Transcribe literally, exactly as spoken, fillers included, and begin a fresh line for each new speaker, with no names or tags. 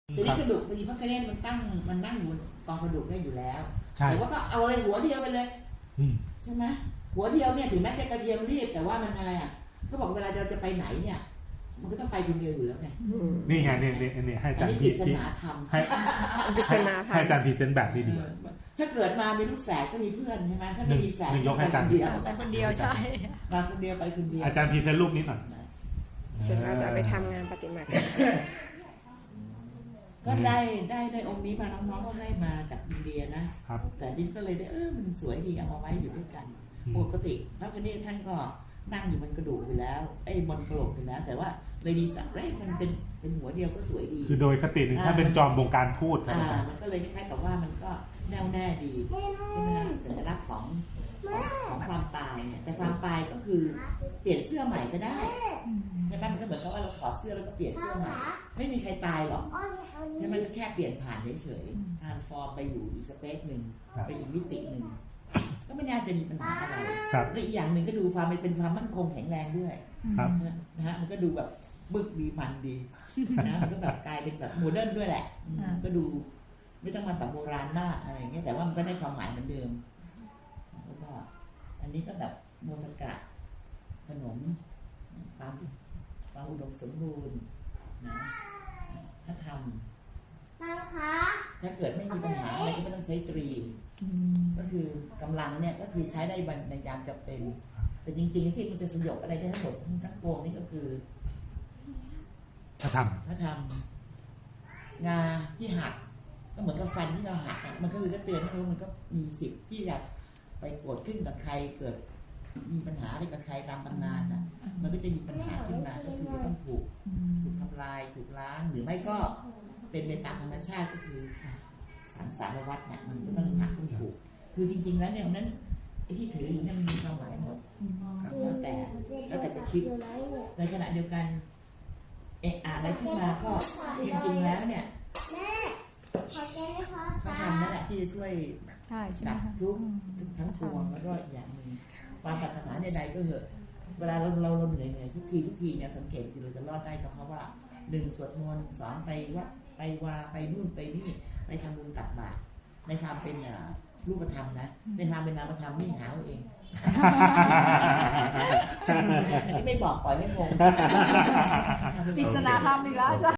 ทีนี้กระดูกบางทีพระคเนศมันตั้งมันนั่งอยู่กองกระดูกได้อยู่แล้วแต่ว่าก็เอาอะไรหัวเดียวไปเลยใช่ไหมหัวเดียวเนี่ยถึงแม้จะกระเทียมรีบแต่ว่ามันอะไรอ่ะก็บอกเวลาเราจะไปไหนเนี่ยมันก็ต้องไปคนเดียวอยู่แล้วไง
นี่ไงเนี่ยเนี่ยเนี่ยให้อาจารย์พีให้ให้อาจารย์พีเป็นแบบนี้ดี
ถ้าเกิดมามีลูกแฝดก็มีเพื่อนใช่ไหมถ้าไม่มีแฝดก็ไปคนเดียว
ไปคนเดียวใช่
มาคนเดียวไปคนเดียว
อาจารย์พีเซนรูปนี้หน่อย
จนเราจะไปทำงานปฏิมากรรม
ก็ได้ได้ได้องค์นี้มาน้องๆก็ได้มาจากอินเดียนะแต่ดินก็เลยได้เออมันสวยดีเอามาไว้อยู่ด้วยกันปกติพระคเนศท่านก็นั่งอยู่บนกระดูกไปแล้วไอ้บนกระโหลกไปแล้วแต่ว่าเลยดีสักเร่มันเป็นเป็นหัวเดียวก็สวยดี
คือโดยคติหนึ่งถ้าเป็นจอมวงการพูด
อ่ามันก็เลยคล้ายๆกับว่ามันก็แน่วแน่ดีใช่ไหมสัญลักษณ์ของของความตายเนี่ยแต่ความตายก็คือเปลี่ยนเสื้อใหม่ก็ได้ใช่ไหมมันก็เหมือนกับว่าเราถอดเสื้อแล้วก็เปลี่ยนเสื้อใหม่ไม่มีใครตายหรอกใช่ไหมก็แค่เปลี่ยนผ่านเฉยๆทรานส์ฟอร์มไปอยู่อีกสเปซหนึ่งไปอีกมิติหนึ่งก็ไม่น่าจะมีปัญหาอะไรและอีกอย่างหนึ่งก็ดูความเป็นความมั่นคงแข็งแรงด้วยนะฮะมันก็ดูแบบบึกดีมันดีนะมันก็แบบกลายเป็นแบบโมเดิร์นด้วยแหละก็ดูไม่ต้องมาแบบโบราณมากอะไรอย่างเงี้ยแต่ว่ามันก็ได้ความหมายเหมือนเดิมแล้วก็อันนี้ก็แบบโมทกะขนมความความอุดมสมบูรณ์นะถ้าทำถ้าเกิดไม่มีปัญหาอะไรก็ไม่ต้องใช้ตรีก็คือกำลังเนี่ยก็คือใช้ได้ในยามจำเป็นแต่จริงๆที่มันจะสยบอะไรได้ทั้งหมดทั้งปวงนี่ก็คือ
ถ้าทำ
ถ้าทำงาที่หักก็เหมือนกับฟันที่เราหักมันก็คือก็เตือนให้รู้มันก็มีสิทธิ์ที่จะไปโกรธขึ้นกับใครเกิดมีปัญหาอะไรกับใครตามตำนานนะมันก็จะมีปัญหาขึ้นมาก็คือต้องถูกถูกทำลายถูกล้างหรือไม่ก็เป็นไปตามธรรมชาติก็คือสังสารวัฏเนี่ยมันก็ต้องหักต้องถูกคือจริงๆแล้วเนี่ยนั้นไอ้ที่ถืออยู่เนี่ยมันมีความหมายหมดแล้วแต่แล้วแต่จะคิดในขณะเดียวกันเอะอะไรขึ้นมาก็จริงๆแล้วเนี่ยเขาทำนั่นแหละที่จะช่วยดับทุกข์ทั้งปวงแล้วก็อย่างหนึ่งความปรารถนาใดๆก็เหอะเวลาเราเราเราเหนื่อยเหนื่อยทุกทีทุกทีเนี่ยสังเกตจริงเราจะรอดได้ก็เพราะว่าหนึ่งสวดมนต์สองไปวัดไปวาไปนู่นไปนี่ไปทำบุญตักบาตรในความเป็นรูปธรรมนะในความเป็นนามธรรมนี่หาเอาเองไม่บอกปล่อยให้งง
ปริศนาธรรมอีกแล้วจ้ะ